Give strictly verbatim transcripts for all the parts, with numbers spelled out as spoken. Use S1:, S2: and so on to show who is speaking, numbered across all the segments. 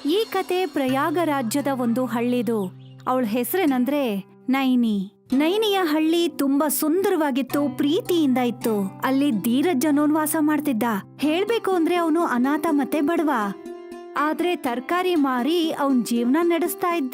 S1: ಈ ಕತೆ ಪ್ರಯಾಗ ರಾಜ್ಯದ ಒಂದು ಹಳ್ಳಿದು. ಅವಳ ಹೆಸರೇನಂದ್ರೆ ನೈನಿ. ನೈನಿಯ ಹಳ್ಳಿ ತುಂಬಾ ಸುಂದರವಾಗಿತ್ತು, ಪ್ರೀತಿಯಿಂದ ಇತ್ತು. ಅಲ್ಲಿ ಧೀರಜ್ ಅನ್ನೋನ್ ವಾಸ ಮಾಡ್ತಿದ್ದ. ಹೇಳ್ಬೇಕು ಅಂದ್ರೆ ಅವನು ಅನಾಥ ಮತ್ತೆ ಬಡವ. ಆದ್ರೆ ತರಕಾರಿ ಮಾರಿ ಅವನ್ ಜೀವನ ನಡೆಸ್ತಾ ಇದ್ದ.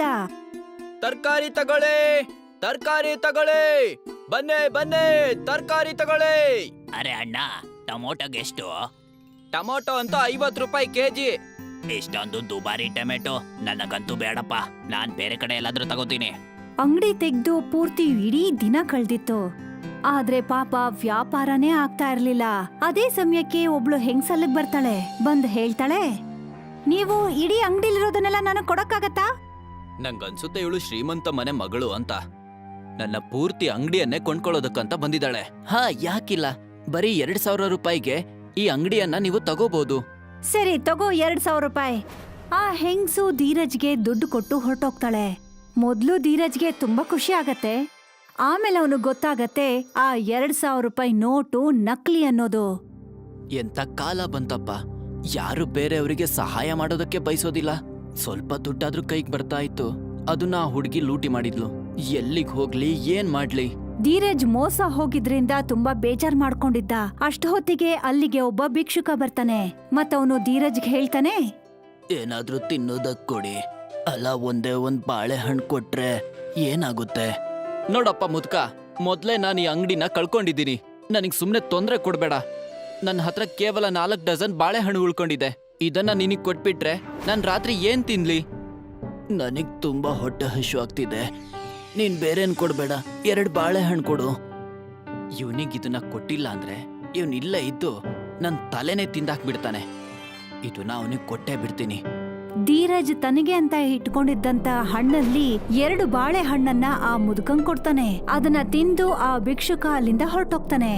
S2: ತರಕಾರಿ ತಗೊಳ್ಳಿ, ತರಕಾರಿ ತಗೊಳ್ಳಿ, ಬನ್ನಿ ಬನ್ನಿ, ತರಕಾರಿ ತಗೊಳ್ಳಿ.
S3: ಅರೆ ಅಣ್ಣ, ಟೊಮೊಟೊಗೆ ಎಷ್ಟು?
S2: ಟೊಮೊಟೊ ಅಂತ ಐವತ್ ರೂಪಾಯಿ ಕೆಜಿ.
S3: ಇಷ್ಟೊಂದು ದುಬಾರಿ ಟೊಮೆಟೊ ನನಗಂತೂ ಬೇಡಪ್ಪ. ನಾನ್ ಬೇರೆ ಕಡೆ ಎಲ್ಲಾದ್ರೂ ತಗೋತೀನಿ.
S1: ಅಂಗಡಿ ತೆಗ್ದು ಪೂರ್ತಿ ಇಡೀ ದಿನ ಕಳ್ದಿತ್ತು. ಆದ್ರೆ ಪಾಪ ವ್ಯಾಪಾರನೇ ಆಗ್ತಾ ಇರ್ಲಿಲ್ಲ. ಅದೇ ಸಮಯಕ್ಕೆ ಒಬ್ಳು ಹೆಂಗ್ಸಲ್ಲಿಗ್ ಬರ್ತಾಳೆ. ಬಂದ್ ಹೇಳ್ತಾಳೆ, ನೀವು ಇಡೀ ಅಂಗಡಿಲಿರೋದನ್ನೆಲ್ಲ ನನಗ್ ಕೊಡಕ್ಕಾಗತ್ತಾ?
S2: ನಂಗನ್ಸುತ್ತೆ ಇವಳು ಶ್ರೀಮಂತ ಮನೆ ಮಗಳು ಅಂತ. ನನ್ನ ಪೂರ್ತಿ ಅಂಗಡಿಯನ್ನೇ ಕೊಂಡ್ಕೊಳ್ಳೋದಕ್ಕಂತ ಬಂದಿದ್ದಾಳೆ. ಹಾ, ಯಾಕಿಲ್ಲ, ಬರೀ ಎರಡ್ ಸಾವಿರ ರೂಪಾಯಿಗೆ ಈ ಅಂಗಡಿಯನ್ನ ನೀವು ತಗೋಬಹುದು.
S1: ಸರಿ ತಗೋ, ಎರಡ್ ಸಾವಿರ ರೂಪಾಯಿ. ಆ ಹೆಂಗ್ಸು ಧೀರಜ್ಗೆ ದುಡ್ಡು ಕೊಟ್ಟು ಹೊರಟೋಗ್ತಾಳೆ. ಮೊದ್ಲು ಧೀರಜ್ಗೆ ತುಂಬಾ ಖುಷಿ ಆಗತ್ತೆ. ಆಮೇಲೆ ಅವನು ಗೊತ್ತಾಗತ್ತೆ ಆ ಎರಡ್ ಸಾವಿರ ರೂಪಾಯಿ ನೋಟು ನಕಲಿ ಅನ್ನೋದು.
S2: ಎಂತ ಕಾಲ ಬಂತಪ್ಪ, ಯಾರು ಬೇರೆಯವರಿಗೆ ಸಹಾಯ ಮಾಡೋದಕ್ಕೆ ಬಯಸೋದಿಲ್ಲ. ಸ್ವಲ್ಪ ದುಡ್ಡಾದ್ರೂ ಕೈಗೆ ಬರ್ತಾ ಇತ್ತು, ಅದನ್ನ ಆ ಹುಡುಗಿ ಲೂಟಿ ಮಾಡಿದ್ಲು. ಎಲ್ಲಿಗ್ ಹೋಗ್ಲಿ, ಏನ್ ಮಾಡ್ಲಿ?
S1: ಧೀರಜ್ ಮೋಸ ಹೋಗಿದ್ರಿಂದ ತುಂಬಾ ಬೇಜಾರ್ ಮಾಡ್ಕೊಂಡಿದ್ದ. ಅಷ್ಟ ಹೊತ್ತಿಗೆ ಅಲ್ಲಿಗೆ ಒಬ್ಬ ಭಿಕ್ಷುಕ ಬರ್ತಾನೆ. ಮತ್ತವನು ಧೀರಜ್ಗೆ ಹೇಳ್ತಾನೆ,
S2: ಏನಾದ್ರೂ ತಿನ್ನೋದಕ್ ಕೊಡಿ, ಅಲ್ಲ ಒಂದೇ ಒಂದ್ ಬಾಳೆಹಣ್ಣು ಕೊಟ್ರೆ ಏನಾಗುತ್ತೆ? ನೋಡಪ್ಪ ಮುದ್ಕ, ಮೊದ್ಲೇ ನಾನು ಈ ಅಂಗಡಿನ ಕಳ್ಕೊಂಡಿದ್ದೀನಿ. ನನಗ್ ಸುಮ್ನೆ ತೊಂದ್ರೆ ಕೊಡ್ಬೇಡ. ನನ್ನ ಹತ್ರ ಕೇವಲ ನಾಲ್ಕು ಡಜನ್ ಬಾಳೆಹಣ್ಣು ಉಳ್ಕೊಂಡಿದೆ. ಇದನ್ನ ನಿನಗ್ ಕೊಟ್ಬಿಟ್ರೆ ನಾನ್ ರಾತ್ರಿ ಏನ್ ತಿನ್ಲಿ? ನನಗ್ ತುಂಬಾ ಹೊಟ್ಟೆ ಹಶು ಆಗ್ತಿದೆ. ನೀನ್ ಬೇರೇನ್ ಕೊಡ್ಬೇಡ, ಎರಡ್ ಬಾಳೆಹಣ್ಣು ಕೊಡು. ಇವನಿಗ್ ಇದನ್ನ ಕೊಟ್ಟಿಲ್ಲ ಅಂದ್ರೆ ಇವನ್ ಇಲ್ಲೇ ಇದ್ದು ನನ್ ತಲೆನೇ ತಿಂದಾಕ್ಬಿಡ್ತಾನೆ. ಇದನ್ನ ಅವನಿಗೆ ಕೊಟ್ಟೇ ಬಿಡ್ತೀನಿ.
S1: ಧೀರಜ್ ತನಗೆ ಅಂತ ಇಟ್ಕೊಂಡಿದ್ದಂತ ಹಣ್ಣಲ್ಲಿ ಎರಡು ಬಾಳೆ ಹಣ್ಣನ್ನ ಆ ಮುದುಕಂಗ್ ಕೊಡ್ತಾನೆ. ಅದನ್ನ ತಿಂದು ಆ ಭಿಕ್ಷುಕ ಅಲ್ಲಿಂದ ಹೊರಟೋಗ್ತಾನೆ.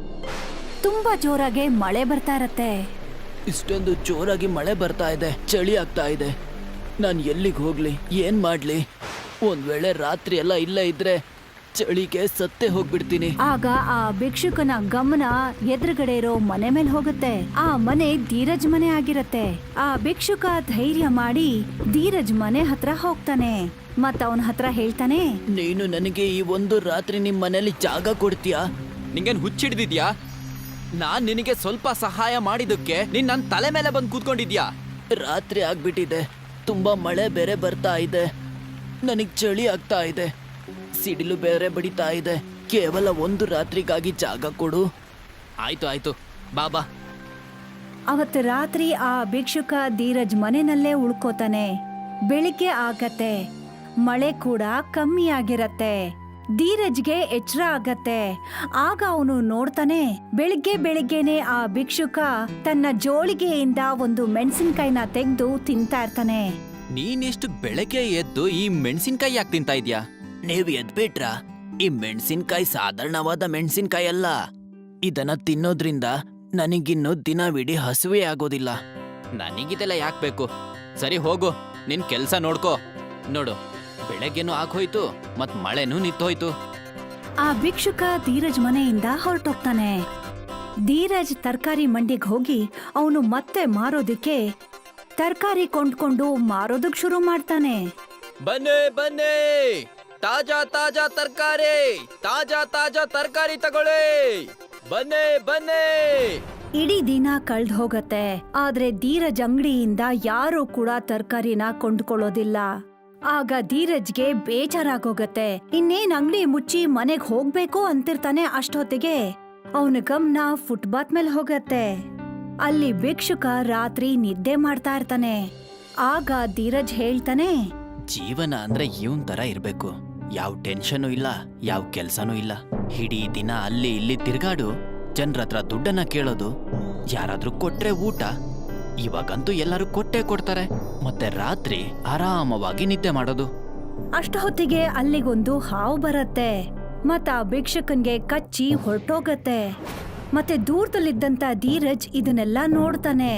S1: ತುಂಬಾ ಜೋರಾಗಿ ಮಳೆ ಬರ್ತಾ ಇರತ್ತೆ.
S2: ಇಷ್ಟೊಂದು ಜೋರಾಗಿ ಮಳೆ ಬರ್ತಾ ಇದೆ, ಚಳಿ ಆಗ್ತಾ ಇದೆ. ನಾನ್ ಎಲ್ಲಿಗೆ ಹೋಗ್ಲಿ, ಏನ್ ಮಾಡ್ಲಿ? ಒಂದ್ ವೇಳೆ ರಾತ್ರಿ ಎಲ್ಲ ಇಲ್ಲೇ ಇದ್ರೆ ಚಳಿಗೆ ಸತ್ತೇ ಹೋಗ್ಬಿಡ್ತೀನಿ.
S1: ಆಗ ಆ ಭಿಕ್ಷುಕನ ಗಮನ ಎದುರುಗಡೆ ಇರೋ ಮನೆ ಮೇಲೆ ಹೋಗುತ್ತೆ. ಆ ಮನೆ ಧೀರಜ್ ಮನೆ ಆಗಿರತ್ತೆ. ಆ ಭಿಕ್ಷುಕ ಧೈರ್ಯ ಮಾಡಿ ಧೀರಜ್ ಮನೆ ಹತ್ರ ಹೋಗ್ತಾನೆ. ಮತ್ತ ಅವನ ಹತ್ರ ಹೇಳ್ತಾನೆ,
S2: ನೀನು ನನಗೆ ಈ ಒಂದು ರಾತ್ರಿ ನಿಮ್ ಮನೇಲಿ ಜಾಗ ಕೊಡ್ತೀಯಾ? ನಿಂಗೇನ್ ಹುಚ್ಚಿಡ್ದಿದ್ಯಾ? ನಾನ್ ನಿನಗೆ ಸ್ವಲ್ಪ ಸಹಾಯ ಮಾಡಿದಕ್ಕೆ ನೀನ್ ನನ್ ತಲೆ ಮೇಲೆ ಬಂದು ಕೂತ್ಕೊಂಡಿದ್ಯಾ? ರಾತ್ರಿ ಆಗ್ಬಿಟ್ಟಿದೆ, ತುಂಬಾ ಮಳೆ ಬೇರೆ ಬರ್ತಾ ಇದೆ, ನನಗ್ ಚಳಿ ಆಗ್ತಾ ಇದೆ, ಸಿಡಿಲು ಬೇರೆ ಬಡಿತಾ ಇದೆ. ಕೇವಲ ಒಂದು ರಾತ್ರಿಗಾಗಿ ಜಾಗ ಕೊಡು. ಆಯ್ತು ಆಯ್ತು, ಬಾಬಾ.
S1: ಅವತ್ತು ರಾತ್ರಿ ಆ ಭಿಕ್ಷುಕ ಧೀರಜ್ ಮನೆಯಲ್ಲೇ ಉಳ್ಕೋತಾನೆ. ಬೆಳಿಗ್ಗೆ ಆಗತ್ತೆ, ಮಳೆ ಕೂಡ ಕಮ್ಮಿ ಆಗಿರತ್ತೆ. ಧೀರಜ್ಗೆ ಎಚ್ಚರ ಆಗತ್ತೆ. ಆಗ ಅವನು ನೋಡ್ತಾನೆ, ಬೆಳಿಗ್ಗೆ ಬೆಳಿಗ್ಗೆನೆ ಆ ಭಿಕ್ಷುಕ ತನ್ನ ಜೋಳಿಗೆಯಿಂದ ಒಂದು ಮೆಣಸಿನ್ಕಾಯಿನ ತೆಗೆದು ತಿಂತಾ ಇರ್ತಾನೆ.
S2: ನೀನೆಷ್ಟು ಬೆಳಗ್ಗೆ ಎದ್ದು ಈ ಮೆಣಸಿನ್ಕಾಯಿ ಯಾಕೆ ತಿಂತಾ ಇದ್ಯಾ? ನೀವ್ ಎದ್ಬಿಟ್ರ? ಈ ಮೆಣಸಿನ್ಕಾಯಿ ಸಾಧಾರಣವಾದ ಮೆಣಸಿನ್ಕಾಯಿ ಅಲ್ಲ. ಇದನ್ನ ತಿನ್ನೋದ್ರಿಂದ ನನಗಿನ್ನು ದಿನವಿಡೀ ಹಸುವೆ ಆಗೋದಿಲ್ಲ. ನನಗಿದೆಲ್ಲ ಯಾಕೆ ಬೇಕು? ಸರಿ ಹೋಗು, ನಿನ್ ಕೆಲ್ಸ ನೋಡ್ಕೋ. ನೋಡು, ಬೆಳಗ್ಗೆನೂ ಆಗೋಯ್ತು, ಮತ್ ಮಳೆನೂ ನಿಂತೋಯ್ತು.
S1: ಆ ಭಿಕ್ಷುಕ ಧೀರಜ್ ಮನೆಯಿಂದ ಹೊರಟೋಗ್ತಾನೆ. ಧೀರಜ್ ತರಕಾರಿ ಮಂಡಿಗೆ ಹೋಗಿ ಅವನು ಮತ್ತೆ ಮಾರೋದಿಕ್ಕೆ ತರಕಾರಿ ಕೊಂಡ್ಕೊಂಡು ಮಾರೋದಕ್ ಶುರು ಮಾಡ್ತಾನೆ.
S2: ಬನ್ನಿ ಬನ್ನಿ, ತಾಜಾ ತಾಜಾ ತರಕಾರಿ, ತಾಜಾ ತಾಜಾ ತರಕಾರಿ ತಗೊಳ್ಳಿ, ಬನ್ನಿ ಬನ್ನಿ.
S1: ಇಡೀ ದಿನ ಕಳ್ದ್ ಹೋಗತ್ತೆ. ಆದ್ರೆ ಧೀರಜ್ ಅಂಗಡಿಯಿಂದ ಯಾರೂ ಕೂಡ ತರಕಾರಿನ ಕೊಂಡ್ಕೊಳ್ಳೋದಿಲ್ಲ. ಆಗ ಧೀರಜ್ಗೆ ಬೇಜಾರಾಗೋಗತ್ತೆ. ಇನ್ನೇನ್ ಅಂಗಡಿ ಮುಚ್ಚಿ ಮನೆಗ್ ಹೋಗ್ಬೇಕು ಅಂತಿರ್ತಾನೆ. ಅಷ್ಟೊತ್ತಿಗೆ ಅವನ ಗಮನ ಫುಟ್ಪಾತ್ ಮೇಲೆ ಹೋಗತ್ತೆ. ಅಲ್ಲಿ ಭಿಕ್ಷುಕ ರಾತ್ರಿ ನಿದ್ದೆ ಮಾಡ್ತಾ ಇರ್ತಾನೆ. ಆಗ ಧೀರಜ್ ಹೇಳ್ತಾನೆ,
S2: ಜೀವನ ಅಂದ್ರೆ ಇವನ್ ತರ ಇರ್ಬೇಕು. ಯಾವ ಟೆನ್ಷನು ಇಲ್ಲ, ಯಾವ ಕೆಲ್ಸನೂ ಇಲ್ಲ. ಇಡೀ ದಿನ ಅಲ್ಲಿ ಇಲ್ಲಿ ತಿರ್ಗಾಡು, ಜನರತ್ರ ದುಡ್ಡನ್ನ ಕೇಳೋದು, ಯಾರಾದ್ರೂ ಕೊಟ್ರೆ ಊಟ. ಇವಾಗಂತೂ ಎಲ್ಲರೂ ಕೊಟ್ಟೆ ಕೊಡ್ತಾರೆ. ಮತ್ತೆ ರಾತ್ರಿ ಆರಾಮವಾಗಿ ನಿದ್ದೆ ಮಾಡೋದು.
S1: ಅಷ್ಟ ಹೊತ್ತಿಗೆ ಅಲ್ಲಿಗೊಂದು ಹಾವು ಬರತ್ತೆ. ಮತ್ತ ಆ ಭಿಕ್ಷಕನ್ಗೆ ಕಚ್ಚಿ ಹೊರಟೋಗತ್ತೆ. ಮತ್ತೆ ದೂರದಲ್ಲಿದ್ದಂತ ಧೀರಜ್ ಇದನ್ನೆಲ್ಲ ನೋಡ್ತಾನೆ.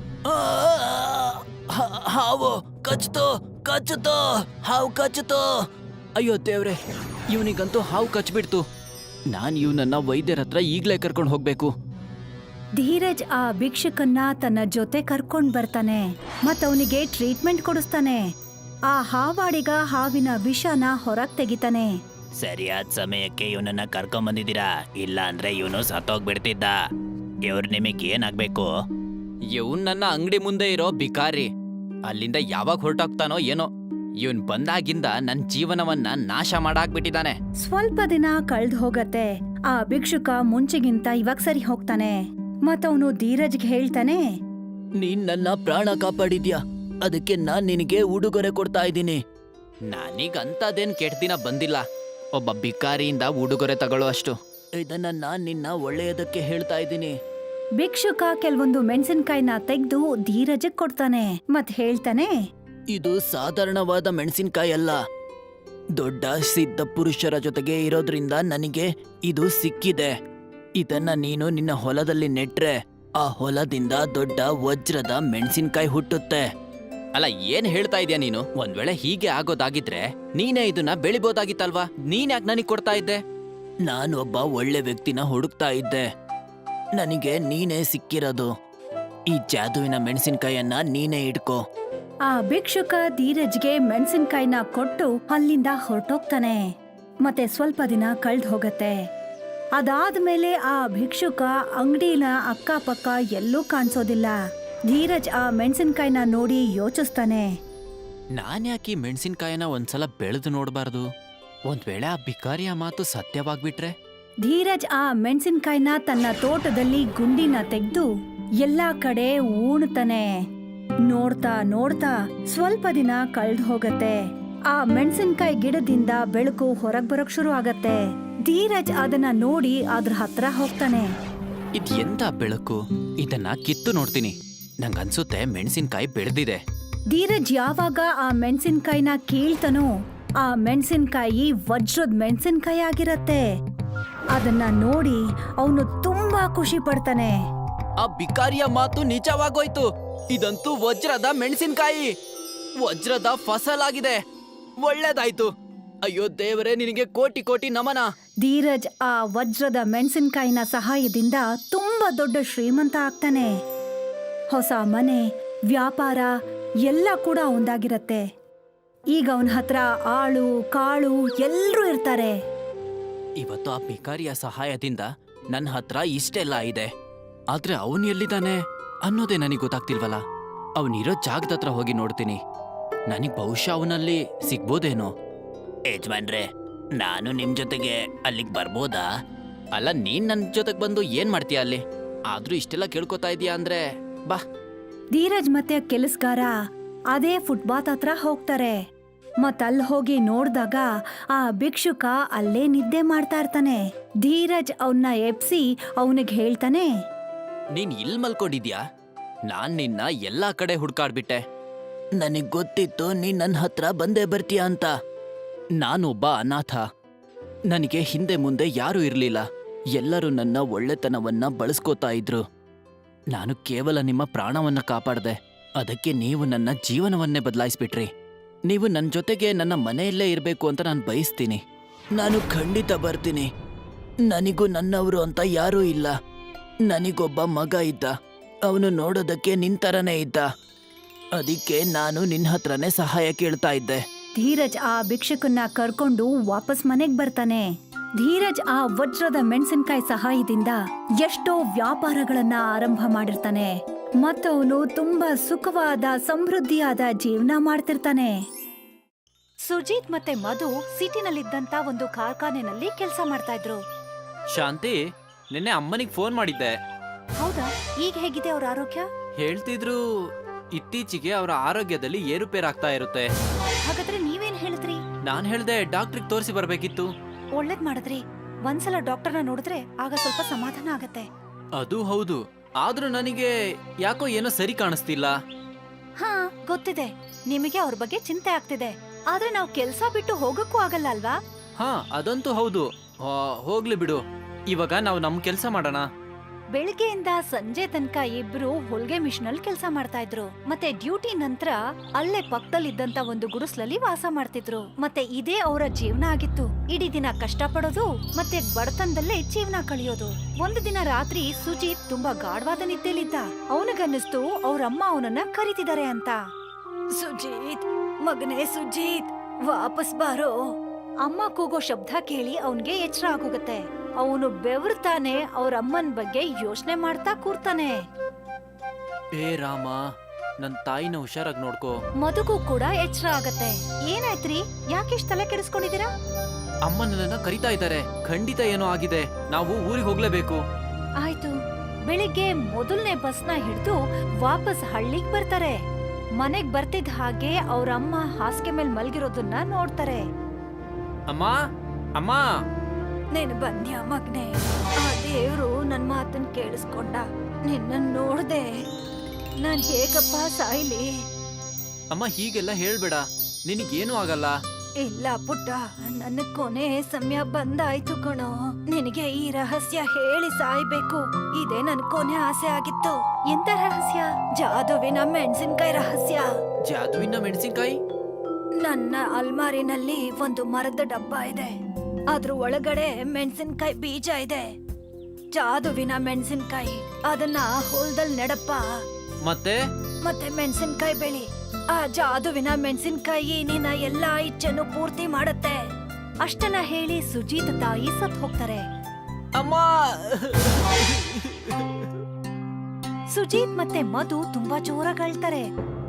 S2: ಹಾವು ಕಚ್ತೋ ಕಚ್ಚುತ್ತೋ, ಹಾವು ಕಚ್ಚುತ್ತೋ. ಅಯ್ಯೋ ದೇವ್ರೆ, ಇವನಿಗಂತೂ ಹಾವು ಕಚ್ಬಿಡ್ತು. ನಾನ್ ಇವನನ್ನ ವೈದ್ಯರ ಹತ್ರ ಈಗ್ಲೇ ಕರ್ಕೊಂಡು ಹೋಗ್ಬೇಕು.
S1: ಧೀರಜ್ ಆ ಭಿಕ್ಷುಕನ್ನ ತನ್ನ ಜೊತೆ ಕರ್ಕೊಂಡ್ ಬರ್ತಾನೆ ಮತ್ತವನಿಗೆ ಟ್ರೀಟ್ಮೆಂಟ್ ಕೊಡಿಸ್ತಾನೆ. ಆ ಹಾವಾಡಿಗ ಹಾವಿನ ವಿಷನ ಹೊರಗ್ ತೆಗಿತಾನೆ.
S3: ಸರಿಯಾದ ಸಮಯಕ್ಕೆ ಇವನನ್ನ ಕರ್ಕೊಂಡ್ ಬಂದಿದ್ದೀರಾ, ಇಲ್ಲ ಅಂದ್ರೆ ಇವನು ಸತ್ತೋಗ್ಬಿಡ್ತಿದ್ದ. ಇವ್ರು ನಿಮಗೆ ಏನಾಗ್ಬೇಕು?
S2: ಇವನ್ ನನ್ನ ಅಂಗಡಿ ಮುಂದೆ ಇರೋ ಬಿಕಾರಿ. ಅಲ್ಲಿಂದ ಯಾವಾಗ ಹೊರಟೋಗ್ತಾನೋ ಏನೋ. ಇವನ್ ಬಂದಾಗಿಂದ ನನ್ ಜೀವನವನ್ನ ನಾಶ ಮಾಡಾಕ್ಬಿಟ್ಟಿದ್ದಾನೆ.
S1: ಸ್ವಲ್ಪ ದಿನ ಕಳ್ದ್ ಹೋಗತ್ತೆ. ಆ ಭಿಕ್ಷುಕ ಮುಂಚೆಗಿಂತ ಇವಾಗ ಸರಿ ಹೋಗ್ತಾನೆ ಮತ್ತವನು ಧೀರಜ್ಗೆ ಹೇಳ್ತಾನೆ,
S2: ನೀನ್ ನನ್ನ ಪ್ರಾಣ ಕಾಪಾಡಿದ್ಯಾ, ಅದಕ್ಕೆ ನಾನ್ ನಿನಗೆ ಉಡುಗೊರೆ ಕೊಡ್ತಾ ಇದ್ದೀನಿ. ನಾನೀಗ ಅಂತದೇನ್ ಕೆಟ್ಟ ದಿನ ಬಂದಿಲ್ಲ ಒಬ್ಬ ಬಿಕಾರಿಯಿಂದ ಉಡುಗೊರೆ ತಗೊಳ್ಳೋ ಅಷ್ಟು. ಇದನ್ನ ನಾನ್ ನಿನ್ನ ಒಳ್ಳೆಯದಕ್ಕೆ ಹೇಳ್ತಾ ಇದ್ದೀನಿ.
S1: ಭಿಕ್ಷುಕ ಕೆಲವೊಂದು ಮೆಣಸಿನ್ಕಾಯಿನ ತೆಗ್ದು ಧೀರಜಗ್ ಕೊಡ್ತಾನೆ ಮತ್ ಹೇಳ್ತಾನೆ,
S2: ಇದು ಸಾಧಾರಣವಾದ ಮೆಣಸಿನ್ಕಾಯಿ ಅಲ್ಲ. ದೊಡ್ಡ ಸಿದ್ಧ ಪುರುಷರ ಜೊತೆಗೆ ಇರೋದ್ರಿಂದ ನನಗೆ ಇದು ಸಿಕ್ಕಿದೆ. ಇದನ್ನ ನೀನು ನಿನ್ನ ಹೊಲದಲ್ಲಿ ನೆಟ್ರೆ ಆ ಹೊಲದಿಂದ ದೊಡ್ಡ ವಜ್ರದ ಮೆಣಸಿನ್ಕಾಯಿ ಹುಟ್ಟುತ್ತೆ. ಅಲ್ಲ, ಏನ್ ಹೇಳ್ತಾ ಇದೀಯ ನೀನು? ಒಂದ್ ವೇಳೆ ಹೀಗೆ ಆಗೋದಾಗಿದ್ರೆ ನೀನೇ ಇದನ್ನ ಬೆಳಿಬೋದಾಗಿತ್ತಲ್ವಾ? ನೀನ್ ಯಾಕೆ ನನಗ್ ಕೊಡ್ತಾ ಇದ್ದೆ? ನಾನು ಒಬ್ಬ ಒಳ್ಳೆ ವ್ಯಕ್ತಿನ ಹುಡುಕ್ತಾ ಇದ್ದೆ. ನನಗೆ ನೀನೇ ಸಿಕ್ಕಿರೋದು. ಈ ಜಾದುವಿನ ಮೆಣಸಿನ್ಕಾಯನ್ನ ನೀನೇ ಇಟ್ಕೋ.
S1: ಆ ಭಿಕ್ಷುಕ ಧೀರಜ್ಗೆ ಮೆಣಸಿನ್ಕಾಯಿನ ಕೊಟ್ಟು ಅಲ್ಲಿಂದ ಹೊರಟೋಗ್ತಾನೆ. ಮತ್ತೆ ಸ್ವಲ್ಪ ದಿನ ಕಳ್ದ್ ಹೋಗತ್ತೆ. ಅದಾದ್ಮೇಲೆ ಆ ಭಿಕ್ಷುಕ ಅಂಗಡಿನ ಅಕ್ಕಪಕ್ಕ ಎಲ್ಲೂ ಕಾಣಿಸೋದಿಲ್ಲ. ಧೀರಜ್ ಆ ಮೆಣಸಿನ್ಕಾಯಿನ ನೋಡಿ ಯೋಚಿಸ್ತಾನೆ,
S2: ನಾನ್ ಯಾಕೆ ಮೆಣಸಿನ್ಕಾಯನ ಒಂದ್ಸಲ ಬೆಳೆದು ನೋಡ್ಬಾರ್ದು? ಒಂದ್ ವೇಳೆ ಆ ಬಿಕಾರಿಯ ಮಾತು ಸತ್ಯವಾಗ್ಬಿಟ್ರೆ?
S1: ಧೀರಜ್ ಆ ಮೆಣಸಿನ್ಕಾಯಿನ ತನ್ನ ತೋಟದಲ್ಲಿ ಗುಂಡಿನ ತೆಗೆದು ಎಲ್ಲಾ ಕಡೆ ಊಣ್ತಾನೆ. ನೋಡ್ತಾ ನೋಡ್ತಾ ಸ್ವಲ್ಪ ದಿನ ಕಳ್ದ್ ಹೋಗತ್ತೆ. ಆ ಮೆಣಸಿನ್ಕಾಯಿ ಗಿಡದಿಂದ ಬೆಳಕು ಹೊರಗ್ ಬರೋಕ್ ಶುರು ಆಗತ್ತೆ. ಧೀರಜ್ ಅದನ್ನ ನೋಡಿ ಅದ್ರ ಹತ್ರ ಹೋಗ್ತಾನೆ.
S2: ಇದ್ ಎಂತ ಬೆಳಕು? ಇದನ್ನ ಕಿತ್ತು ನೋಡ್ತೀನಿ. ನಂಗನ್ಸುತ್ತೆ ಮೆಣಸಿನ್ಕಾಯಿ ಬೆಳೆದಿದೆ.
S1: ಧೀರಜ್ ಯಾವಾಗ ಆ ಮೆಣಸಿನ್ಕಾಯಿನ ಕೀಳ್ತಾನೋ ಆ ಮೆಣಸಿನ್ಕಾಯಿ ವಜ್ರದ ಮೆಣಸಿನ್ಕಾಯಿ ಆಗಿರತ್ತೆ. ಅದನ್ನ ನೋಡಿ ಅವನು ತುಂಬಾ ಖುಷಿ ಪಡ್ತಾನೆ.
S2: ಆ ಬಿಕಾರಿಯ ಮಾತು ನಿಜವಾಗೋಯ್ತು. ಇದಂತೂ ವಜ್ರದ ಮೆಣಸಿನ್ಕಾಯಿ, ವಜ್ರದ ಫಸಲಾಗಿದೆ. ಒಳ್ಳೇದಾಯ್ತು. ಅಯ್ಯೋ ದೇವರೇ, ನಿನಗೆ ಕೋಟಿ ಕೋಟಿ ನಮನ.
S1: ಧೀರಜ್ ಆ ವಜ್ರದ ಮೆಣಸಿನ್ಕಾಯಿನ ಸಹಾಯದಿಂದ ತುಂಬಾ ದೊಡ್ಡ ಶ್ರೀಮಂತ ಆಗ್ತಾನೆ. ಹೊಸ ಮನೆ, ವ್ಯಾಪಾರ ಎಲ್ಲ ಕೂಡ ಒಂದಾಗಿರತ್ತೆ. ಈಗ ಅವನ ಹತ್ರ ಆಳು ಕಾಳು ಎಲ್ರೂ ಇರ್ತಾರೆ.
S2: ಇವತ್ತು ಆ ಬಿಕಾರಿಯ ಸಹಾಯದಿಂದ ನನ್ನ ಹತ್ರ ಇಷ್ಟೆಲ್ಲ ಇದೆ. ಆದ್ರೆ ಅವನು ಎಲ್ಲಿದ್ದಾನೆ ಅನ್ನೋದೇ ನನಗೆ ಗೊತ್ತಾಗ್ತಿಲ್ವಲ್ಲ. ಅವನಿರೋ ಜಾಗದ ಹತ್ರ ಹೋಗಿ ನೋಡ್ತೀನಿ. ನನಗ್ ಬಹುಶಃ ಅವನಲ್ಲಿ ಸಿಗ್ಬೋದೇನೋ.
S3: ಯಜಮಾನ್ರೆ, ನಾನು ನಿಮ್ ಜೊತೆಗೆ ಅಲ್ಲಿಗೆ ಬರ್ಬೋದಾ?
S2: ಅಲ್ಲ, ನೀನ್ ನನ್ ಜೊತೆಗ್ ಬಂದು ಏನ್ ಮಾಡ್ತೀಯ ಅಲ್ಲಿ? ಆದ್ರೂ ಇಷ್ಟೆಲ್ಲ ಕೇಳ್ಕೊತಾ ಇದೀಯ ಅಂದ್ರೆ ಬಾ.
S1: ಧೀರಜ್ ಮತ್ತೆ ಕೆಲಸಗಾರ ಅದೇ ಫುಟ್ಪಾತ್ ಹತ್ರ ಹೋಗ್ತಾರೆ. ಮತ್ತಲ್ಲಿ ಹೋಗಿ ನೋಡ್ದಾಗ ಆ ಭಿಕ್ಷುಕ ಅಲ್ಲೇ ನಿದ್ದೆ ಮಾಡ್ತಾ ಇರ್ತಾನೆ. ಧೀರಜ್ ಅವನ್ನ ಎಪ್ಸಿ ಅವನಿಗೆ ಹೇಳ್ತಾನೆ,
S2: ನೀನ್ ಇಲ್ ಮಲ್ಕೊಂಡಿದ್ಯಾ? ನಾನ್ ನಿನ್ನ ಎಲ್ಲಾ ಕಡೆ ಹುಡ್ಕಾಡ್ಬಿಟ್ಟೆ. ನನಗ್ ಗೊತ್ತಿತ್ತು ನೀನ್ ನನ್ನ ಹತ್ರ ಬಂದೇ ಬರ್ತೀಯ ಅಂತ. ನಾನೊಬ್ಬ ಅನಾಥ. ನನಗೆ ಹಿಂದೆ ಮುಂದೆ ಯಾರೂ ಇರ್ಲಿಲ್ಲ. ಎಲ್ಲರೂ ನನ್ನ ಒಳ್ಳೆತನವನ್ನ ಬಳಸ್ಕೋತಾ ಇದ್ರು. ನಾನು ಕೇವಲ ನಿಮ್ಮ ಪ್ರಾಣವನ್ನ ಕಾಪಾಡ್ದೆ. ಅದಕ್ಕೆ ನೀವು ನನ್ನ ಜೀವನವನ್ನೇ ಬದಲಾಯಿಸ್ಬಿಟ್ರಿ. ನೀವು ನನ್ನ ಜೊತೆಗೆ ನನ್ನ ಮನೆಯಲ್ಲೇ ಇರಬೇಕು ಅಂತ ನಾನು ಬಯಸ್ತೀನಿ. ನಾನು ಖಂಡಿತ ಬರ್ತೀನಿ. ನನಗೂ ನನ್ನವರು ಅಂತ ಯಾರೂ ಇಲ್ಲ. ನನಗೊಬ್ಬ ಮಗ ಇದ್ದ. ಅವನು ನೋಡೋದಕ್ಕೆ ನಿಂತರನೇ ಇದ್ದ. ಅದಕ್ಕೆ ನಾನು ನಿನ್ನ ಹತ್ರನೇ ಸಹಾಯ ಕೇಳ್ತಾ ಇದ್ದೆ.
S1: ಧೀರಜ್ ಆ ಭಿಕ್ಷುಕನ್ನ ಕರ್ಕೊಂಡು ವಾಪಸ್ ಮನೆಗ್ ಬರ್ತಾನೆ. ಧೀರಜ್ ಆ ವಜ್ರದ ಮೆಣಸಿನ್ಕಾಯಿ ಸಹಾಯದಿಂದ ಎಷ್ಟೋ ವ್ಯಾಪಾರಗಳನ್ನ ಆರಂಭ ಮಾಡಿರ್ತಾನೆ. ಮತ್ತವನು ತುಂಬಾ ಸುಖವಾದ ಸಮೃದ್ಧಿಯಾದ ಜೀವನ ಮಾಡ್ತಿರ್ತಾನೆ. ಸುಜಿತ್ ಮತ್ತೆ ಮಧು ಸಿಟಿನಲ್ಲಿದ್ದಂತ ಒಂದು ಕಾರ್ಖಾನೆನಲ್ಲಿ ಕೆಲಸ ಮಾಡ್ತಾ ಇದ್ರು.
S2: ಶಾಂತಿ, ನಿನ್ನೆ ಅಮ್ಮನಿಗೆ ಫೋನ್ ಮಾಡಿದ್ದೆ.
S1: ಹೌದಾ? ಈಗ ಹೇಗಿದೆ ಅವ್ರ ಆರೋಗ್ಯ?
S2: ಹೇಳ್ತಿದ್ರು ಇತ್ತೀಚೆಗೆ ಅವರ ಆರೋಗ್ಯದಲ್ಲಿ ಏರುಪೇರಾಗ್ತಾ ಇರುತ್ತೆ.
S1: ಹಾಗಾದ್ರೆ ನೀವೇನ್ ಹೇಳಿದ್ರಿ?
S2: ನಾನ್ ಹೇಳ್ದೆ ಡಾಕ್ಟ್ರಿಗೆ ತೋರಿಸಿ ಬರ್ಬೇಕಿತ್ತು.
S1: ಒಳ್ಳೇದ್ ಮಾಡಿದ್ರಿ. ಒಂದ್ಸಲ ಡಾಕ್ಟರ್ನ ನೋಡಿದ್ರೆ ಆಗ ಸ್ವಲ್ಪ ಸಮಾಧಾನ ಆಗತ್ತೆ.
S2: ಅದು ಹೌದು, ಆದ್ರೂ ನನಗೆ ಯಾಕೋ ಏನೋ ಸರಿ ಕಾಣಿಸ್ತಿಲ್ಲ.
S1: ಹಾ, ಗೊತ್ತಿದೆ ನಿಮಗೆ ಅವ್ರ ಬಗ್ಗೆ ಚಿಂತೆ ಆಗ್ತಿದೆ. ಆದ್ರೆ ನಾವು ಕೆಲ್ಸ ಬಿಟ್ಟು ಹೋಗಕ್ಕೂ ಆಗಲ್ಲ ಅಲ್ವಾ?
S2: ಹಾ, ಅದಂತೂ ಹೌದು. ಆ, ಹೋಗ್ಲಿ ಬಿಡು. ಇವಾಗ ನಾವು ನಮ್ ಕೆಲ್ಸ ಮಾಡೋಣ.
S1: ಬೆಳಿಗ್ಗೆಯಿಂದ ಸಂಜೆ ತನಕ ಇಬ್ರು ಹೊಲ್ಗೆ ಮಿಷನ್ ಅಲ್ಲಿ ಕೆಲಸ ಮಾಡ್ತಾ ಇದ್ರು. ಮತ್ತೆ ಡ್ಯೂಟಿ ನಂತರ ಅಲ್ಲೇ ಪಕ್ಕದಲ್ಲಿದ್ದಂತ ಒಂದು ಗುಡಿಸ್ಲಲ್ಲಿ ವಾಸ ಮಾಡ್ತಿದ್ರು. ಮತ್ತೆ ಇದೇ ಅವರ ಜೀವನ ಆಗಿತ್ತು. ಇಡೀ ದಿನ ಕಷ್ಟ ಪಡೋದು ಮತ್ತೆ ಬಡತನದಲ್ಲೇ ಜೀವನ ಕಳಿಯೋದು. ಒಂದು ದಿನ ರಾತ್ರಿ ಸುಜೀತ್ ತುಂಬಾ ಗಾಢವಾದ ನಿದ್ದೆಲಿದ್ದ. ಅವನಿಗನ್ನಿಸ್ತು ಅವ್ರಮ್ಮ ಅವನನ್ನ ಕರೀತಿದ್ದಾರೆ ಅಂತ. ಸುಜೀತ್, ಮಗನೇ ಸುಜೀತ್, ವಾಪಸ್ ಬಾರೋ. ಅಮ್ಮ ಕೂಗೋ ಶಬ್ದ ಕೇಳಿ ಅವನ್ಗೆ ಎಚ್ಚರ ಆಗೋಗತ್ತೆ. ಅವನು ಬೆವರ್ತಾನೆ ಅವ್ರ ಅಮ್ಮನ್ ಬಗ್ಗೆ ಯೋಚನೆ ಮಾಡ್ತಾ ಕೂರ್ತಾನೆ.
S2: ಏ ರಾಮ, ನನ್ ತಾಯಿನ ಹುಷಾರಾಗಿ ನೋಡ್ಕೋ.
S1: ಮದುಗೂ ಕೂಡ ಎಚ್ಚರ ಆಗತ್ತೆ. ಏನಾಯ್ತ್ರಿ, ಯಾಕೆಷ್ಟ್ ತಲೆ ಕೆಡಿಸ್ಕೊಂಡಿದೀರಾ?
S2: ಅಮ್ಮ ನನ್ನನ್ನ ಕರಿತಾ ಇದ್ದಾರೆ. ಖಂಡಿತ ಏನೋ ಆಗಿದೆ. ನಾವು ಊರಿಗೆ ಹೋಗ್ಲೇಬೇಕು.
S1: ಆಯ್ತು. ಬೆಳಿಗ್ಗೆ ಮೊದಲನೇ ಬಸ್ನ ಹಿಡಿದು ವಾಪಸ್ ಹಳ್ಳಿಗ್ ಬರ್ತಾರೆ. ಮನೆಗ್ ಬರ್ತಿದ್ ಹಾಗೆ ಅವ್ರ ಅಮ್ಮ ಹಾಸಿಗೆ ಮೇಲ್ ಮಲ್ಗಿರೋದನ್ನ ನೋಡ್ತಾರೆ.
S2: ಅಮ್ಮ, ಅಮ್ಮ,
S1: ನೀನು ಬಂದ್ಯಾ ಮಗ್ನೆ? ಆ ದೇವ್ರು ನನ್ ಮಾತನ್ ಕೇಳಿಸ್ಕೊಂಡ. ನಿನ್ನ ನೋಡ್ದೆ. ನಾನ್ ಹೇಗಪ್ಪ ಸಾಯ್ಲಿ?
S2: ಅಮ್ಮ ಹೀಗೆಲ್ಲ ಹೇಳ್ಬೇಡ, ನಿನಗೇನು ಆಗಲ್ಲ.
S1: ಇಲ್ಲ ಪುಟ್ಟ, ನನ್ನ ಕೊನೆ ಸಮಯ ಬಂದಾಯ್ತು ಕಣೋ. ನಿನಗೆ ಈ ರಹಸ್ಯ ಹೇಳಿ ಸಾಯ್ಬೇಕು. ಇದೇ ನನ್ ಕೊನೆ ಆಸೆ ಆಗಿತ್ತು. ಎಂತ ರಹಸ್ಯ? ಜಾದುವಿನ ಮೆಣಸಿನ್ಕಾಯಿ ರಹಸ್ಯ.
S2: ಜಾದುವಿನ ಮೆಣಸಿನ್ಕಾಯಿ?
S1: ನನ್ನ ಅಲ್ಮಾರಿನಲ್ಲಿ ಒಂದು ಮರದ ಡಬ್ಬ ಇದೆ. ಅದ್ರ ಒಳಗಡೆ ಮೆಣಸಿನ್ಕಾಯಿ ಬೀಜ ಇದೆ. ಜಾದುವಿನ ಮೆಣಸಿನ್ಕಾಯಿ. ಅದನ್ನ ಹೊಲದಲ್ಲಿ ನೆಡಪ್ಪ.
S2: ಮತ್ತೆ
S1: ಮತ್ತೆ ಮೆಣಸಿನ್ಕಾಯಿ ಬೆಳಿ. ಆ ಜಾದುವಿನ ಮೆಣಸಿನ್ಕಾಯಿ ನಿನ್ನ ಎಲ್ಲಾ ಇಚ್ಛೆನು ಪೂರ್ತಿ ಮಾಡತ್ತೆ. ಅಷ್ಟನ್ನ ಹೇಳಿ ಸುಜೀತ್ ತಾಯಿ ಸತ್ ಹೋಗ್ತಾರೆ.
S2: ಅಮ್ಮ.
S1: ಸುಜೀತ್ ಮತ್ತೆ ಮಧು ತುಂಬಾ ಜೋರಾಗಿ ಅಳ್ತಾರೆ.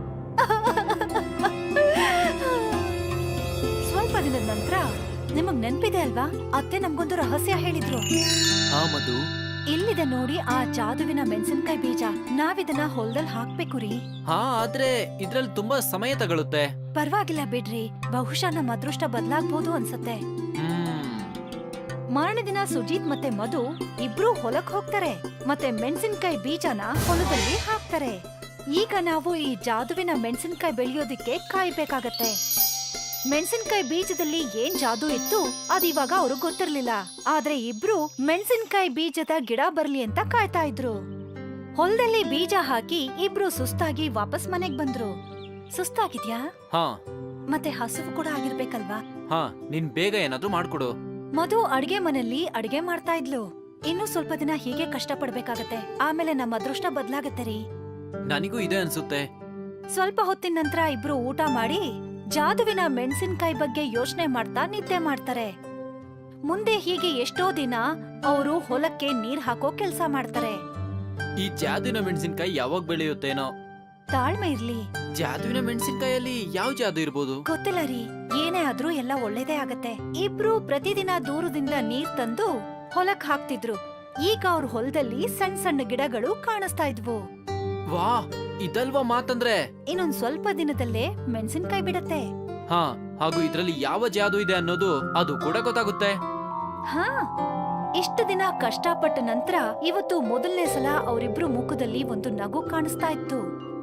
S1: ಸ್ವಲ್ಪ ದಿನದ ನಂತರ, ನಿಮಗ್ ನೆನ್ಪಿದೆ ಅಲ್ವಾ, ಅತ್ತೆ ನಮ್ಗೊಂದು ರಹಸ್ಯ ಹೇಳಿದ್ರು.
S2: ಹಾ ಮಧು,
S1: ಇಲ್ಲಿದೆ ನೋಡಿ ಆ ಜಾದುವಿನ ಮೆಣಸಿನ್ಕಾಯಿ ಬೀಜ. ನಾವಿದನ್ನ ಹೊಲದಲ್ಲಿ ಹಾಕ್ಬೇಕು ರೀ.
S2: ಹಾ, ಆದ್ರೆ ಇದ್ರಲ್ಲಿ ತುಂಬಾ ಸಮಯ ತಗೊಳುತ್ತೆ.
S1: ಪರವಾಗಿಲ್ಲ ಬಿಡ್ರಿ, ಬಹುಶಃ ನಮ್ಮ ಅದೃಷ್ಟ ಬದಲಾಗ್ಬೋದು ಅನ್ಸತ್ತೆ.
S2: ಹ್ಮ್.
S1: ಮಾರನೇ ದಿನ ಸುಜೀತ್ ಮತ್ತೆ ಮಧು ಇಬ್ರು ಹೊಲಕ್ ಹೋಗ್ತಾರೆ. ಮತ್ತೆ ಮೆಣಸಿನ್ಕಾಯಿ ಬೀಜನ ಹೊಲದಲ್ಲಿ ಹಾಕ್ತಾರೆ. ಈಗ ನಾವು ಈ ಜಾದುವಿನ ಮೆಣಸಿನ್ಕಾಯಿ ಬೆಳೆಯೋದಿಕ್ಕೆ ಕಾಯ್ಬೇಕಾಗತ್ತೆ. ಮೆಣಸಿನ್ಕಾಯಿ ಬೀಜದಲ್ಲಿ ಏನ್ ಜಾದು ಇತ್ತು ಅದಿವಾಗ ಅವ್ರಿಗೆ ಗೊತ್ತಿರ್ಲಿಲ್ಲ. ಆದ್ರೆ ಇಬ್ರು ಮೆಣಸಿನ್ಕಾಯಿ ಬೀಜದ ಗಿಡ ಬರ್ಲಿ ಅಂತ ಕಾಯ್ತಾ ಇದ್ರು. ಹೊಲದಲ್ಲಿ ಬೀಜ ಹಾಕಿ ಇಬ್ರು ಸುಸ್ತಾಗಿ ವಾಪಸ್ ಮನೆಗ್ ಬಂದ್ರು. ಸುಸ್ತಾಗಿದ್ಯಾ?
S2: ಹಾ.
S1: ಮತ್ತೆ ಹಸುವು ಕೂಡ ಆಗಿರ್ಬೇಕಲ್ವಾ?
S2: ಹಾ, ನೀನ್ ಬೇಗ ಏನಾದ್ರೂ ಮಾಡ್ಕೊಡು.
S1: ಮಧು ಅಡ್ಗೆ ಮನೆಯಲ್ಲಿ ಅಡ್ಗೆ ಮಾಡ್ತಾ ಇದ್ಲು. ಇನ್ನೂ ಸ್ವಲ್ಪ ದಿನ ಹೀಗೆ ಕಷ್ಟ ಪಡ್ಬೇಕಾಗತ್ತೆ. ಆಮೇಲೆ ನಮ್ಮ ಅದೃಷ್ಟ ಬದ್ಲಾಗತ್ತೆ ರೀ.
S2: ನನಗೂ ಇದೆ ಅನ್ಸುತ್ತೆ.
S1: ಸ್ವಲ್ಪ ಹೊತ್ತಿನ ನಂತರ ಇಬ್ರು ಊಟ ಮಾಡಿ ಜಾದುವಿನ ಮೆಣಸಿನ್ಕಾಯಿ ಬಗ್ಗೆ ಯೋಚನೆ ಮಾಡ್ತಾ ನಿದ್ದೆ ಮಾಡ್ತಾರೆ. ಮುಂದೆ ಹೀಗೆ ಎಷ್ಟೋ ದಿನ ಅವರು ಹೊಲಕ್ಕೆ ನೀರ್ ಹಾಕೋ ಕೆಲ್ಸ ಮಾಡ್ತಾರೆ.
S2: ಈ ಜಾದುವಿನ ಮೆಣಸಿನ್ಕಾಯಿ ಯಾವಾಗ ಬೆಳೆಯುತ್ತೇನೋ.
S1: ತಾಳ್ಮೆ ಇರ್ಲಿ.
S2: ಜಾದುವಿನ ಮೆಣಸಿನ್ಕಾಯಲ್ಲಿ ಯಾವ ಜಾದು ಇರ್ಬೋದು?
S1: ಗೊತ್ತಿಲ್ಲ ರೀ. ಏನೇ ಆದ್ರೂ ಎಲ್ಲ ಒಳ್ಳೇದೇ ಆಗತ್ತೆ. ಇಬ್ರು ಪ್ರತಿದಿನ ದೂರದಿಂದ ನೀರ್ ತಂದು ಹೊಲಕ್ ಹಾಕ್ತಿದ್ರು. ಈಗ ಅವ್ರ ಹೊಲದಲ್ಲಿ ಸಣ್ಣ ಸಣ್ಣ ಗಿಡಗಳು ಕಾಣಿಸ್ತಾ ಇದ್ವು.
S2: ವಾ, ಇದಲ್ವಾ ಮಾತಂದ್ರೆ?
S1: ಇನ್ನೊಂದ್ ಸ್ವಲ್ಪ ದಿನದಲ್ಲೇ ಮೆಣಸಿನ್ಕಾಯಿ ಬಿಡತ್ತೆ.
S2: ಹಾ, ಹಾಗೂ ಇದ್ರಲ್ಲಿ ಯಾವ ಜಾದು ಇದೆ ಅನ್ನೋದು ಅದು ಕೂಡ ಗೊತ್ತಾಗುತ್ತೆ.
S1: ಹಾ, ಇಷ್ಟು ದಿನ ಕಷ್ಟಪಟ್ಟ ನಂತರ ಇವತ್ತು ಮೊದಲನೇ ಸಲ ಅವರಿಬ್ರು ಮುಖದಲ್ಲಿ ಒಂದು ನಗು ಕಾಣಿಸ್ತಾ ಇತ್ತು.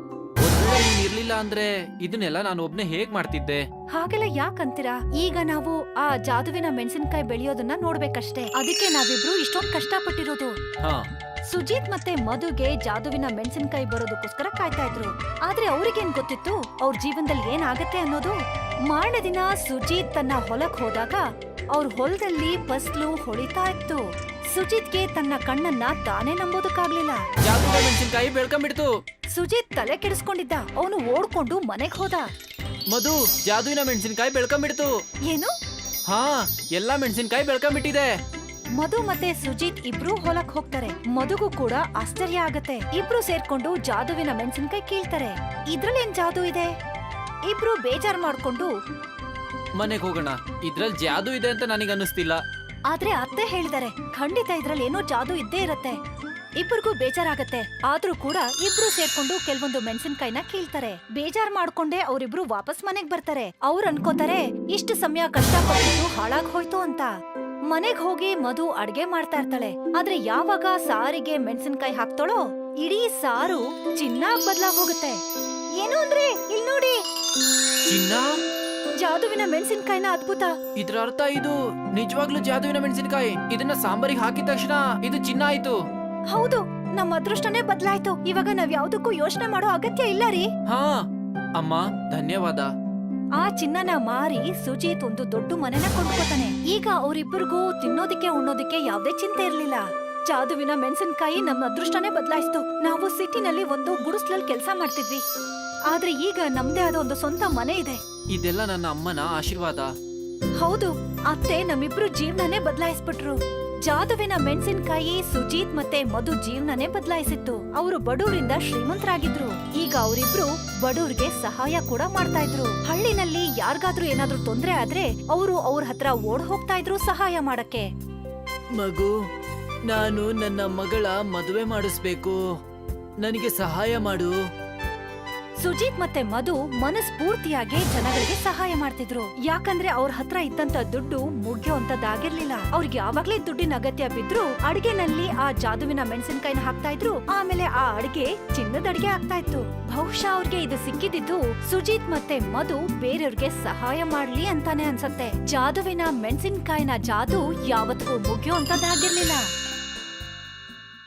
S2: ನೀನ್ ಇರ್ಲಿಲ್ಲ ಅಂದ್ರೆ ಇದನ್ನೆಲ್ಲ ನಾನು ಒಬ್ನೇ ಹೇಗ್ ಮಾಡ್ತಿದ್ದೆ?
S1: ಹಾಗೆಲ್ಲ ಯಾಕಂತೀರಾ? ಈಗ ನಾವು ಆ ಜಾದುವಿನ ಮೆಣಸಿನ್ಕಾಯಿ ಬೆಳೆಯೋದನ್ನ ನೋಡ್ಬೇಕಷ್ಟೇ. ಅದಕ್ಕೆ ನಾವಿಬ್ರು ಇಷ್ಟೊಂದ್ ಕಷ್ಟಪಟ್ಟಿರೋದು.
S2: ಹಾ.
S1: ಸುಜೀತ್ ಮತ್ತೆ ಮಧುಗೆ ಜಾದುವಿನ ಮೆಣಸಿನ್ಕಾಯಿ ಬರೋದಕ್ಕೋಸ್ಕರ ಕಾಯ್ತಾ ಇದ್ರು. ಆದ್ರೆ ಅವ್ರಿಗೇನ್ ಗೊತ್ತಿತ್ತು ಅವ್ರ ಜೀವನದಲ್ಲಿ ಏನಾಗತ್ತೆ ಅನ್ನೋದು. ಮಾರನೇ ದಿನ ಸುಜೀತ್ ತನ್ನ ಹೊಲಕ್ ಹೋದಾಗ ಅವ್ರ ಹೊಲದಲ್ಲಿ ಫಸ್ಲು ಹೊಳಿತಾ ಇತ್ತು. ಸುಜಿತ್ಗೆ ತನ್ನ ಕಣ್ಣನ್ನ ತಾನೇ ನಂಬೋದಕ್ಕಾಗ್ಲಿಲ್ಲ.
S2: ಜಾದುವಿನ ಮೆಣಸಿನ್ಕಾಯಿ ಬೆಳ್ಕೊಂಡ್ಬಿಡ್ತು.
S1: ಸುಜಿತ್ ತಲೆ ಕೆಡಿಸ್ಕೊಂಡಿದ್ದ. ಅವನು ಓಡ್ಕೊಂಡು ಮನೆಗ್ ಹೋದ.
S2: ಮಧು, ಜಾದುವಿನ ಮೆಣಸಿನ್ಕಾಯಿ ಬೆಳ್ಕೊಂಡ್ಬಿಡ್ತು.
S1: ಏನು?
S2: ಹಾ, ಎಲ್ಲಾ ಮೆಣಸಿನ್ಕಾಯಿ ಬೆಳ್ಕೊಂಡ್ಬಿಟ್ಟಿದೆ.
S1: ಮಧು ಮತ್ತೆ ಸುಜಿತ್ ಇಬ್ರು ಹೊಲಕ್ ಹೋಗ್ತಾರೆ. ಮಧುಗೂ ಕೂಡ ಆಶ್ಚರ್ಯ ಆಗತ್ತೆ. ಇಬ್ರು ಸೇರ್ಕೊಂಡು ಜಾದುವಿನ ಮೆಣಸಿನ್ಕಾಯಿ ಕೀಳ್ತಾರೆ. ಇದ್ರಲ್ಲಿ ಏನ್ ಜಾದು ಇದೆ? ಇಬ್ರು ಬೇಜಾರ್ ಮಾಡ್ಕೊಂಡು
S2: ಮನೆಗ್ ಹೋಗೋಣ. ಇದ್ರಲ್ಲಿ ಜಾದು ಇದೆ ಅಂತ ನನಗೆ ಅನ್ನಿಸ್ತಿಲ್ಲ.
S1: ಆದ್ರೆ ಅತ್ತೆ ಹೇಳಿದಾರೆ, ಖಂಡಿತ ಇದ್ರಲ್ಲಿ ಏನೋ ಜಾದು ಇದ್ದೇ ಇರತ್ತೆ. ಇಬ್ಬರಿಗೂ ಬೇಜಾರಾಗತ್ತೆ. ಆದ್ರೂ ಕೂಡ ಇಬ್ರು ಸೇರ್ಕೊಂಡು ಕೆಲವೊಂದು ಮೆಣಸಿನ್ಕಾಯಿನ ಕೀಳ್ತಾರೆ. ಬೇಜಾರ್ ಮಾಡ್ಕೊಂಡೆ ಅವರಿಬ್ರು ವಾಪಸ್ ಮನೆಗ್ ಬರ್ತಾರೆ. ಅವ್ರು ಅನ್ಕೋತಾರೆ ಇಷ್ಟು ಸಮಯ ಕಷ್ಟಪಟ್ಟು ಹಾಳಾಗ್ ಹೋಯ್ತು ಅಂತ. ಮನೆಗ್ ಹೋಗಿ ಮಧು ಅಡ್ಗೆ ಮಾಡ್ತಾ ಇರ್ತಾಳೆ. ಆದ್ರೆ ಯಾವಾಗ ಸಾರಿಗೆ ಮೆಣಸಿನ್ಕಾಯಿ ಹಾಕ್ತಾಳೋ ಇಡೀ ಸಾರು ಚಿನ್ನ ಬದ್ಲಾಗ್ ಹೋಗುತ್ತೆ. ಏನು ಅಂದ್ರೆ ಇಲ್ ನೋಡಿ,
S2: ಚಿನ್ನ?
S1: ಜಾದುವಿನ ಮೆಣಸಿನ್ಕಾಯಿನ ಅದ್ಭುತ.
S2: ಇದ್ರ ಅರ್ಥ ಇದು ನಿಜವಾಗ್ಲೂ ಜಾದುವಿನ ಮೆಣಸಿನಕಾಯಿ. ಇದನ್ನ ಸಾಂಬಾರಿಗೆ ಹಾಕಿದ ತಕ್ಷಣ ಇದು ಚಿನ್ನ ಆಯ್ತು.
S1: ಹೌದು, ನಮ್ ಅದೃಷ್ಟನೇ ಬದ್ಲಾಯ್ತು. ಇವಾಗ ನಾವ್ ಯಾವ್ದಕ್ಕೂ ಯೋಚನೆ ಮಾಡೋ ಅಗತ್ಯ ಇಲ್ಲ ರೀ.
S2: ಹಾ ಅಮ್ಮ, ಧನ್ಯವಾದ.
S1: ಆ ಚಿನ್ನನ ಮಾರಿ ಸುಜೀತ್ ಒಂದು ದೊಡ್ಡ ಮನೆನ ಕೊಂಡ್ಕೋತಾನೆ. ಈಗ ಅವ್ರಿಬ್ಬರಿಗೂ ತಿನ್ನೋದಿಕ್ಕೆ ಉಣ್ಣೋದಿಕ್ಕೆ ಯಾವ್ದೇ ಚಿಂತೆ ಇರ್ಲಿಲ್ಲ. ಜಾದುವಿನ ಮೆಣಸಿನಕಾಯಿ ನಮ್ಮ ಅದೃಷ್ಟನೇ ಬದಲಾಯಿಸ್ತು. ನಾವು ಸಿಟಿನಲ್ಲಿ ಒಂದು ಗುಡಿಸ್ಲಲ್ಲಿ ಕೆಲಸ ಮಾಡ್ತಿದ್ವಿ, ಆದ್ರೆ ಈಗ ನಮ್ದೇ ಆದ ಒಂದು ಸ್ವಂತ ಮನೆ ಇದೆ.
S2: ಇದೆಲ್ಲ ನನ್ನ ಅಮ್ಮನ ಆಶೀರ್ವಾದ.
S1: ಹೌದು, ಅತ್ತೆ ನಮ್ಮಿಬ್ರು ಜೀವನನೇ ಬದಲಾಯಿಸ್ಬಿಟ್ರು. ಜಾದುವಿನ ಮೆಣಸಿನಕಾಯಿ ಸುಜೀತ್ ಮತ್ತೆ ಮಧು ಜೀವನನೇ ಬದಲಾಯಿಸಿತ್ತು. ಅವರು ಬಡವರಿಂದ ಶ್ರೀಮಂತರಾಗಿದ್ರು. ಈಗ ಅವರಿಬ್ರು ಬಡವ್ರಿಗೆ ಸಹಾಯ ಕೂಡ ಮಾಡ್ತಾ ಇದ್ರು. ಹಳ್ಳಿನಲ್ಲಿ ಯಾರಿಗಾದ್ರೂ ಏನಾದ್ರೂ ತೊಂದ್ರೆ ಆದ್ರೆ ಅವರು ಅವ್ರ ಹತ್ರ ಓಡ್ ಹೋಗ್ತಾ ಇದ್ರು ಸಹಾಯ ಮಾಡಕ್ಕೆ.
S2: ಮಗು, ನಾನು ನನ್ನ ಮಗಳ ಮದುವೆ ಮಾಡಿಸ್ಬೇಕು, ನನಗೆ ಸಹಾಯ ಮಾಡು.
S1: ಸುಜೀತ್ ಮತ್ತೆ ಮಧು ಮನಸ್ಫೂರ್ತಿಯಾಗಿ ಜನಗಳಿಗೆ ಸಹಾಯ ಮಾಡ್ತಿದ್ರು. ಯಾಕಂದ್ರೆ ಅವ್ರ ಹತ್ರ ಇದ್ದಂತ ದುಡ್ಡು ಮುಗ್ಯೋಂತದ್ದಾಗಿರ್ಲಿಲ್ಲ. ಅವ್ರಿಗೆ ಯಾವಾಗ್ಲೇ ದುಡ್ಡಿನ ಅಗತ್ಯ ಬಿದ್ರು ಅಡಿಗೆನಲ್ಲಿ ಆ ಜಾದುವಿನ ಮೆಣಸಿನಕಾಯಿನ ಹಾಕ್ತಾ ಇದ್ರು. ಆಮೇಲೆ ಆ ಅಡಿಗೆ ಚಿನ್ನದ ಅಡಿಗೆ ಆಗ್ತಾ ಇತ್ತು. ಬಹುಶಃ ಅವ್ರಿಗೆ ಇದು ಸಿಕ್ಕಿದ್ದು ಸುಜೀತ್ ಮತ್ತೆ ಮಧು ಬೇರೆಯವ್ರಿಗೆ ಸಹಾಯ ಮಾಡ್ಲಿ ಅಂತಾನೆ ಅನ್ಸತ್ತೆ. ಜಾದುವಿನ ಮೆಣಸಿನಕಾಯಿನ ಜಾದು ಯಾವತ್ತಿಗೂ ಮುಗಿಯೋ ಅಂತದ್ದಾಗಿರ್ಲಿಲ್ಲ.